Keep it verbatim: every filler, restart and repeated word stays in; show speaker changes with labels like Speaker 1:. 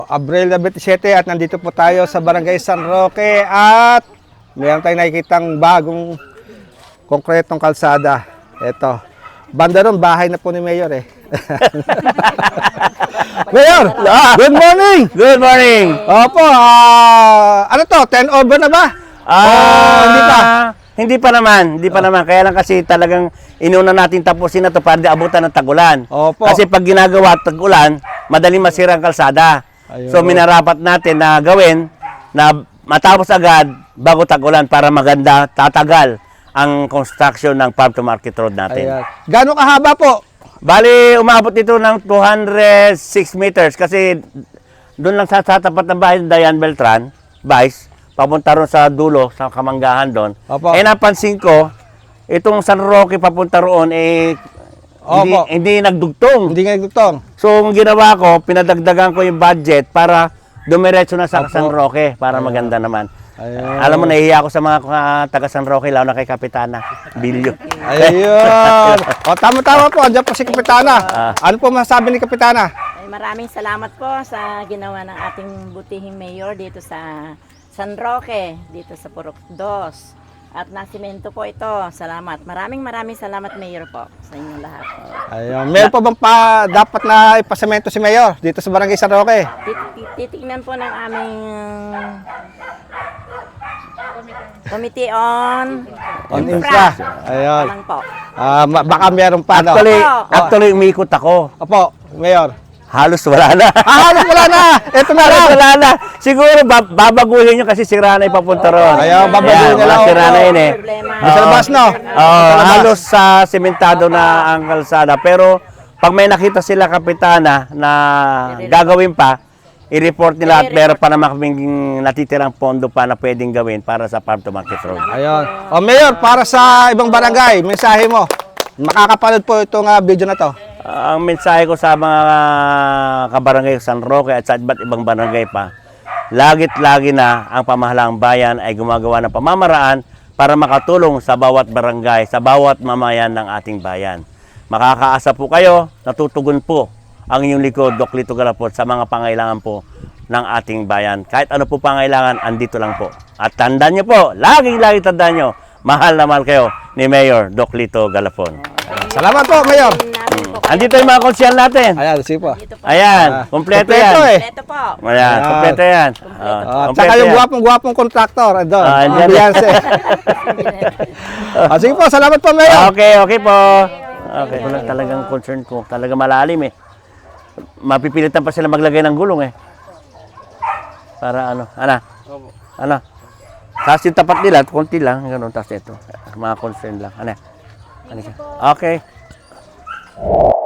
Speaker 1: Abril twenty-seven at nandito po tayo sa Barangay San Roque at mayroon tayong nakikitang bagong konkretong kalsada. Ito. Banda ron, bahay na po ni Mayor eh. Mayor, good morning!
Speaker 2: Good morning!
Speaker 1: Opo, ah, ano to, ten over na ba?
Speaker 2: Ah,
Speaker 1: Oh, hindi pa.
Speaker 2: Hindi pa naman, hindi pa naman. Kaya lang kasi talagang inuna natin tapusin na to para di abutan ng tag-ulan.
Speaker 1: Opo.
Speaker 2: Kasi pag ginagawa tag-ulan, madaling masira ang kalsada.
Speaker 1: Ayun.
Speaker 2: So minarapat natin na gawin na matapos agad bago tag-ulan para maganda, tatagal ang construction ng Farm to Market Road natin.
Speaker 1: Ayan. Gano'ng kahaba po?
Speaker 2: Bali, umabot ito ng two hundred six meters kasi doon lang sa, sa tapat ng bahay ng Diane Beltran, Vice, papunta ron sa dulo, sa Kamanggahan doon.
Speaker 1: Opo.
Speaker 2: Eh napansin ko, itong San Roque papunta roon, eh, hindi,
Speaker 1: Opo.
Speaker 2: hindi nagdugtong.
Speaker 1: Hindi nga nagtutong.
Speaker 2: So, ang ginawa ko, pinadagdagan ko yung budget para dumiretso na sa
Speaker 1: Opo.
Speaker 2: San Roque para maganda naman.
Speaker 1: Ayun.
Speaker 2: Alam mo, nahihiya ako sa mga uh, taga San Roque, lalo na kay Kapitana, Bilyo.
Speaker 1: Ayun. O, tama-tama po. Andiyan po si Kapitana.
Speaker 2: Ah.
Speaker 1: Ano po masasabi ni Kapitana?
Speaker 3: Ay, maraming salamat po sa ginawa ng ating butihing mayor dito sa San Roque, dito sa Purok Dos. At nasimento po ito. Salamat. Maraming maraming salamat, Mayor po, sa inyong lahat.
Speaker 1: Ayun. Meron pa bang pa dapat na ipasemento si Mayor dito sa Barangay San Roque?
Speaker 3: Tit- tit- Titignan po ng aming Committee on
Speaker 1: On infra. Ayun.
Speaker 3: Lang po.
Speaker 1: Ah, ma- baka meron pa no.
Speaker 2: Actually,
Speaker 3: Opo.
Speaker 2: actually, umikot ako.
Speaker 1: Opo, Mayor.
Speaker 2: Halos wala na.
Speaker 1: Ah, halos wala na. Ito na
Speaker 2: Halos
Speaker 1: lang.
Speaker 2: wala na. Siguro bab- babaguhin nyo kasi sira na ipapunta ron.
Speaker 1: Ayaw, babaguhin
Speaker 2: Ayan,
Speaker 1: nila,
Speaker 2: mga sira
Speaker 1: oo.
Speaker 2: na yun eh.
Speaker 3: Problema.
Speaker 1: Di sa labas, no?
Speaker 2: Oo,
Speaker 1: Sa labas.
Speaker 2: halos sa sementado na ang kalsada. Pero pag may nakita sila kapitana na gagawin pa, i-report nila at meron pa naman kaming natitirang pondo pa na pwedeng gawin para sa Farm to Market Road.
Speaker 1: Ayun. O, Mayor, para sa ibang barangay, mensahe mo. Makakapanood po itong ah, video na to.
Speaker 2: Ang mensahe ko sa mga kabarangay San Roque at sa iba't ibang barangay pa, lagit lagi na ang pamahalaang bayan ay gumagawa ng pamamaraan para makatulong sa bawat barangay, sa bawat mamayan ng ating bayan. Makakaasa po kayo, natutugon po ang inyong likod, Doc Lito Galapon, sa mga pangailangan po ng ating bayan. Kahit ano po pangailangan, andito lang po. At tandaan nyo po, laging-lagi tandaan nyo, mahal na mahal kayo ni Mayor Doc Lito Galapon.
Speaker 1: Salamat po, Mayor.
Speaker 3: Namin po kayo.
Speaker 2: Andito yung mga konsyal natin.
Speaker 1: Ayan, sige po.
Speaker 3: Dito po.
Speaker 2: Ayan,
Speaker 1: Ah,
Speaker 2: kompleto
Speaker 1: kompleto
Speaker 2: yan.
Speaker 1: eh.
Speaker 3: Ito po.
Speaker 2: Ayan,
Speaker 1: Ayan.
Speaker 2: kompleto yan. Ah,
Speaker 1: Ah,
Speaker 2: kompleto
Speaker 1: tsaka yung
Speaker 2: yan.
Speaker 1: gwapong-gwapong kontraktor. Andun.
Speaker 2: Ah, andyan.
Speaker 1: Ambiyanse. Ah, sige po, salamat po, Mayor.
Speaker 2: Okay, okay po. Okay, wala talagang concern ko. Talaga malalim eh. Mapipilitan pa sila maglagay ng gulong eh. Para ano, ana? Ano? Tapos yung tapat nila, konti lang, gano'n. Tapos ito, mga concern lang. Ano? Ano siya? Okay.